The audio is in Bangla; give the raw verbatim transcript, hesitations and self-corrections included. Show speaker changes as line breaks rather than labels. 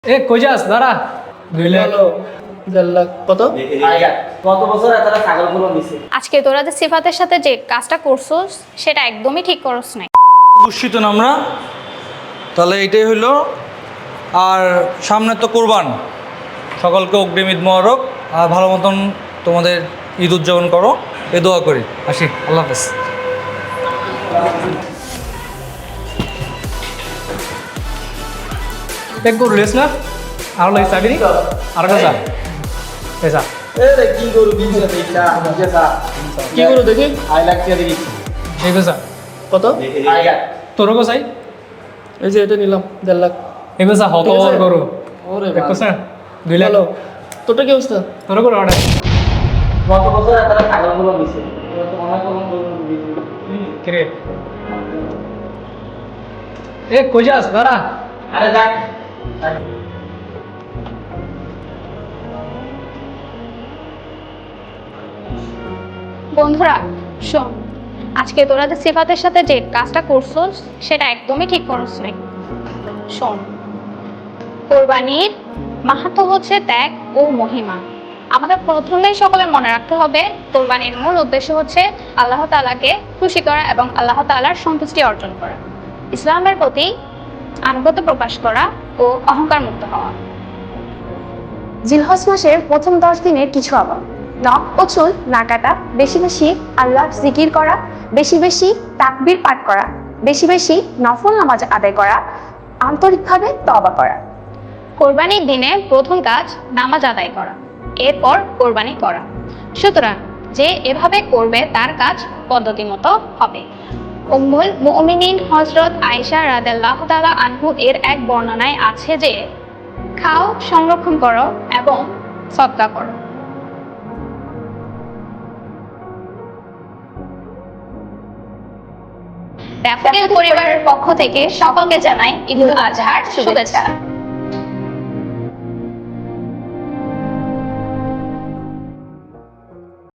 এ কই যাস দাঁড়া দুই লাখ
দেড় লাখ কত
কত বছর তারা ছাগল কুরবান দিছে?
আজকে তোরা যে সিফাতের সাথে যে কাজটা করছস সেটা একদমই ঠিক করছ নাই।
বুঝছি না আমরা, তাহলে এটাই হইলো। আর সামনে তো কোরবান, সকলকে অগ্রিম ঈদ মোবারক। আর ভালো মতন তোমাদের ঈদ উদযাপন করো, এ দোয়া করি। আসি, আল্লাহ হাফেজ।
এক করলিস না আর লাগে চাবি নি আর কাজা এসা
এ কি করু বিজনেস এইটা বিজনেস
কি করো দেখি
আই লাখ টাকা দেখি
এই বেসা
কত
আইগা
তোর কো চাই
এই যে এটা নিলাম দেড় লাখ
এই বেসা হত
ঠিক আছে।
করো
ওরে
দেখছ না দুই লাখ
হ্যালো তোরটা কি অবস্থা
তোর করো অর্ডার
কত বছর তারা ছাগল কুরবান দিছে? এবার তো অনেক কুরবান দিছে।
কিরে এ কই যাস দাঁড়া
আরে যাক
বন্ধুরা শোন, আজকে তোরা যে সিফাতের সাথে যে কাজটা করছস সেটা একদমই ঠিক করছ নাই। শোন, কোরবানির মাহাত্ম্য হচ্ছে ত্যাগ ও মহিমা। আমাদের প্রথমেই সকলের মনে রাখতে হবে কোরবানির মূল উদ্দেশ্য হচ্ছে আল্লাহ তাআলাকে খুশি করা এবং আল্লাহ তাআলার সন্তুষ্টি অর্জন করা, ইসলামের প্রতি আনুগত্য প্রকাশ করা ও অহংকার মুক্ত হওয়া।
জিলহজ মাসের প্রথম দশ দিনের কিছু আমল: নখ ও চুল না কাটা, বেশি বেশি আল্লাহ জিকির করা, বেশি বেশি তাকবীর পাঠ করা, বেশি বেশি নফল নামাজ আদায় করা, আন্তরিকভাবে তওবা করা।
কোরবানির দিনে প্রথম কাজ নামাজ আদায় করা, এরপর কোরবানি করা। সুতরাং যে এভাবে করবে তার কাজ পদ্ধতি মতো হবে। উম্মুল মুমিনিন হযরত আয়েশা রাদিয়াল্লাহু তাআলা আনহু এর এক বর্ণনায় আছে যে, খাও, সংরক্ষণ করো এবং সদকা করো। ড্যাফোডিল পরিবারের পক্ষ থেকে সকলকে জানাই ঈদুল আজহার শুভেচ্ছা।